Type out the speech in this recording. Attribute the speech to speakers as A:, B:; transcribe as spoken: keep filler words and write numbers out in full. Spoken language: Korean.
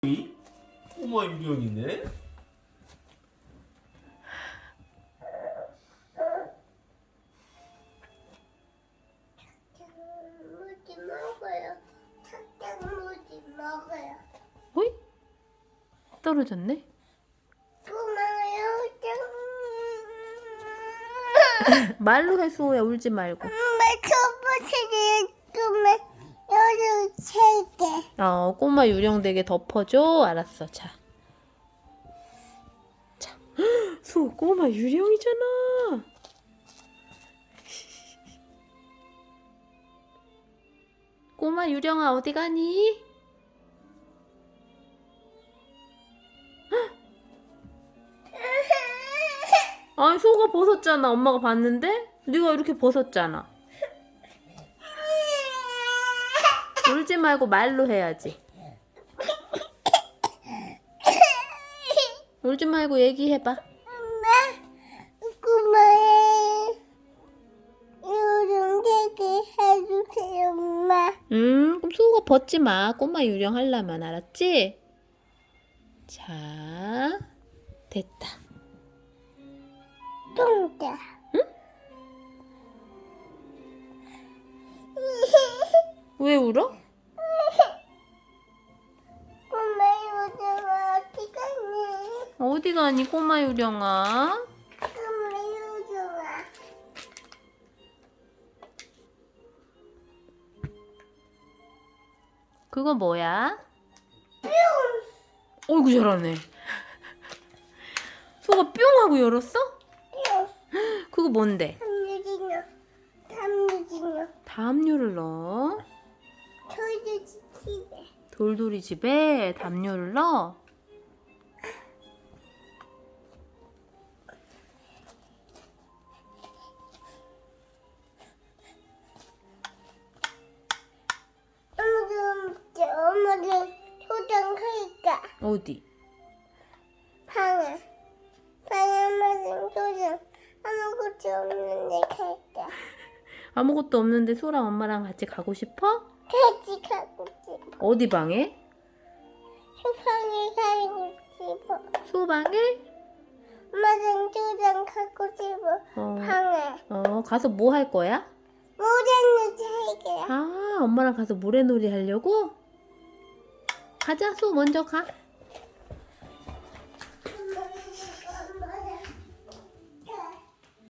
A: 이? 꼬마 유령이네?
B: 무지 먹어요. 착장무지 먹어요.
C: 어이? 떨어졌네?
B: 고마워요.
C: 말로 해, 수호야. 울지 말고.
B: 엄마 초보시는 꿈에 여름 세개.
C: 어, 꼬마 유령 되게 덮어줘. 알았어. 자. 자. 수호, 꼬마 유령이잖아. 꼬마 유령아, 어디 가니? 아니, 수호가 벗었잖아. 엄마가 봤는데? 네가 이렇게 벗었잖아. 울지 말고 말로 해야지. 울지 말고 얘기해봐.
B: 엄마 고마워요. 여름 세개 해주세요, 엄마.
C: 음, 그럼 수호가 벗지 마. 꼬마 유령 하려면, 알았지? 자, 됐다.
B: 똥다.
C: 왜 울어?
B: 엄마 요즘 어디 갔니?
C: 어디 가니, 꼬마 유령아?
B: 엄마 요즘
C: 그거 뭐야? 어이구, 잘하네. 수호가 뿅 하고 열었어? 그거 뭔데?
B: 담요진요. 담요진요.
C: 담요를 넣어.
B: 저희도 집에.
C: 돌돌이 집에 담요를 넣어.
B: 엄마도 엄마도 초장하니까
C: 어디?
B: 방에 방에 무슨 초장 아무것도 없는데 갈까?
C: 아무것도 없는데 수호랑 엄마랑 같이 가고 싶어?
B: 같이 가고 싶어.
C: 어디 방에?
B: 소방에 살고 싶어.
C: 수호 방에?
B: 엄마랑 초장 가고 싶어.
C: 어,
B: 방에
C: 어, 가서 뭐 할 거야?
B: 모래는 잘게.
C: 아, 엄마랑 가서 모래놀이 하려고? 가자, 수호 먼저 가.